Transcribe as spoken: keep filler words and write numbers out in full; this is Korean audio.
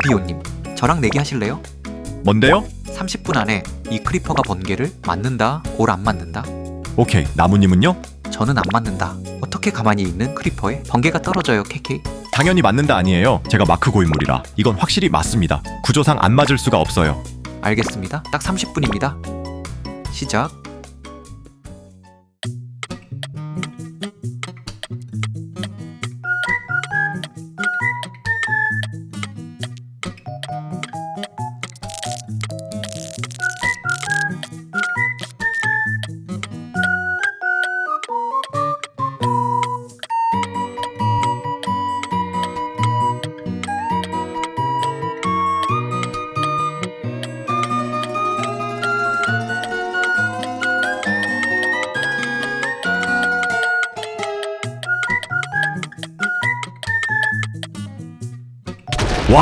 이비오님, 저랑 내기 하실래요? 뭔데요? 삼십 분 안에 이 크리퍼가 번개를 맞는다, 올 안 맞는다? 오케이. 나무님은요? 저는 안 맞는다. 어떻게 가만히 있는 크리퍼에 번개가 떨어져요, 케이케이? 당연히 맞는다 아니에요. 제가 마크 고인물이라. 이건 확실히 맞습니다. 구조상 안 맞을 수가 없어요. 알겠습니다. 딱 삼십 분입니다. 시작.